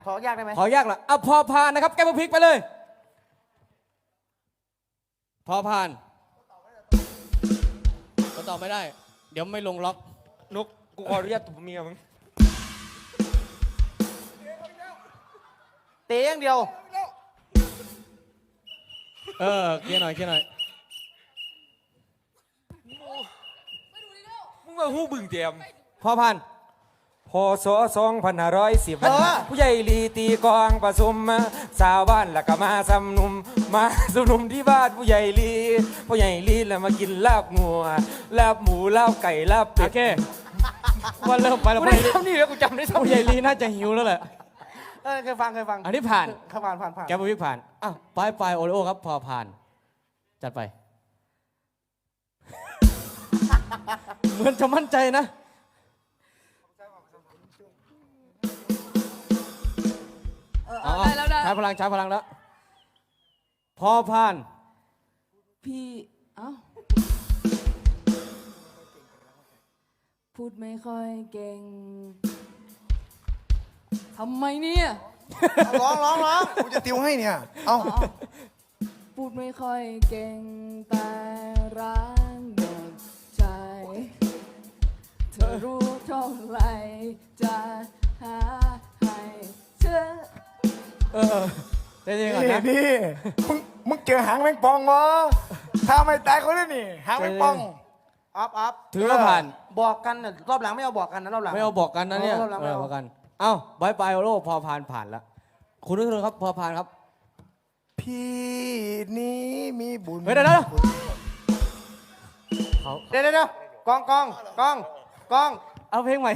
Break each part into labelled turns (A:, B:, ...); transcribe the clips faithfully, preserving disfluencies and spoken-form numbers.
A: ขอยากได้ไหม
B: ขอยากเหรออ่ะพอพานนะครับแก้มพริกไปเลยพอพานก็ตอบไม่ได้เดี๋ยวไม่ลงล็อก
C: นุกกูขออนุญาตตบเมียมึง
A: เตะอย่างเดียว
B: เออเคลียร์หน่อยเคลียร์หน่อย
C: มึงมาหู้บึงเตรียม
B: พอพาน
D: พศสองพันห้าร้อยสิบผู้ใหญ่ลีตีกองประชุมสาวบ้านแล้วก็มาสำนุมมาสำนุมที่บ้านผู้ใหญ่ลีผู้ใหญ่ลีแล้วมากินลาบงัวลาบหมูลาบไก่ลาบเป็ด
B: โอเคว่าเริ่มไปแล้ว
C: กูได้ซ้ำนี่แล้วกูจำได้ซ้ำ
B: ผู้ใหญ่ลีน่าจะหิวแล้วแหละ
A: เออเคยฟังเคยฟัง
B: อันนี้ผ่าน
A: เคยผ่านผ่านผ่าน
B: แก้มพริกผ่านอ่ะปลายปลายโอริโอครับพอผ่านจัดไป เหมือนจะมั่นใจนะเอาได้แล้วใช้พลังใช้พลังแล้วพอผ่าน
E: พี่เอ้าพูดไม่ค่อยเก่งทำไมเนี่ย
A: ร้องร้องร้อง
F: กูจะติวให้เนี่ยเอา
E: พูดไม่ค่อยเก่งแต่รักหมดใจเธอรู้เท่าไรจะหาให้เธอ
B: เออเดี๋ยวก่อนนะ
F: นี่มึงมึงเจอหางแมงปองวะถ้าไม่ตายเขาเลยนี่หางแมงปอง
A: อัพอัพ
B: ถือว่าผ่าน
A: บอกกันน่ะรอบหลังไม่เอาบอกกันนะรอบหลัง
B: ไม่เอาบอกกันนะเนี่ย
A: รอบหลังไม่เอา
B: บอกกันเอ้าบายบายโอโรพอผ่านผ่านแล้วคุณนึกถึงครับพอผ่านครับ
F: พี่นี้มีบุญ
B: เฮ้ยเดี๋ยวเดี๋ยวเขา
A: เดี๋ยวเดี๋ยวกองกองกองกอง
B: เอาเพลงใหม่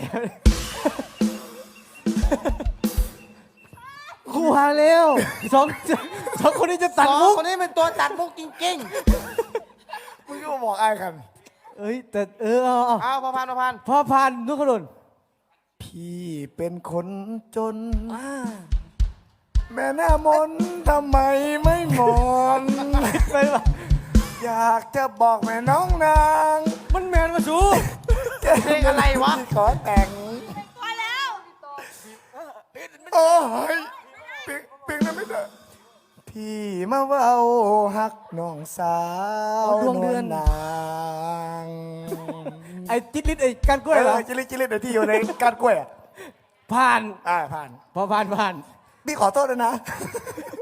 B: ครูหาเร็วสองสองคนนี้จะตัด
A: สอง
B: มุก
A: คนนี้เป็นตัวตัดมุกจริง
F: มึงก็มาบอกไอ้กัน
B: เอ้ยแต่เออเอาเอา
A: ๆเอาพอพานพอพาน
B: พอผ่านนุกขดุน
F: พี่เป็นคนจนแม่หน้ามนทำไมไม่งอน
B: ไปวะ
F: อยากจะบอกแม่น้องนาง
B: มันแมนมาสู
A: เพลงอะไรวะ
F: ขอแต่งพอแล้วโอ้ยเปียงเปียงนั้นไม่ได้พี่มาเว้าฮักน้องสาวดวงเดือนนาง
B: ไอ้จิตลิศไอ้การกล้วยเหรอ
F: จิลิจิลิเดี๋ยวที่อยู่ในการกล้วยอ่ะ
B: ผ่าน
F: อ่าผ่าน
B: พอผ่านผ่าน
F: พี่ขอโทษด้วยนะ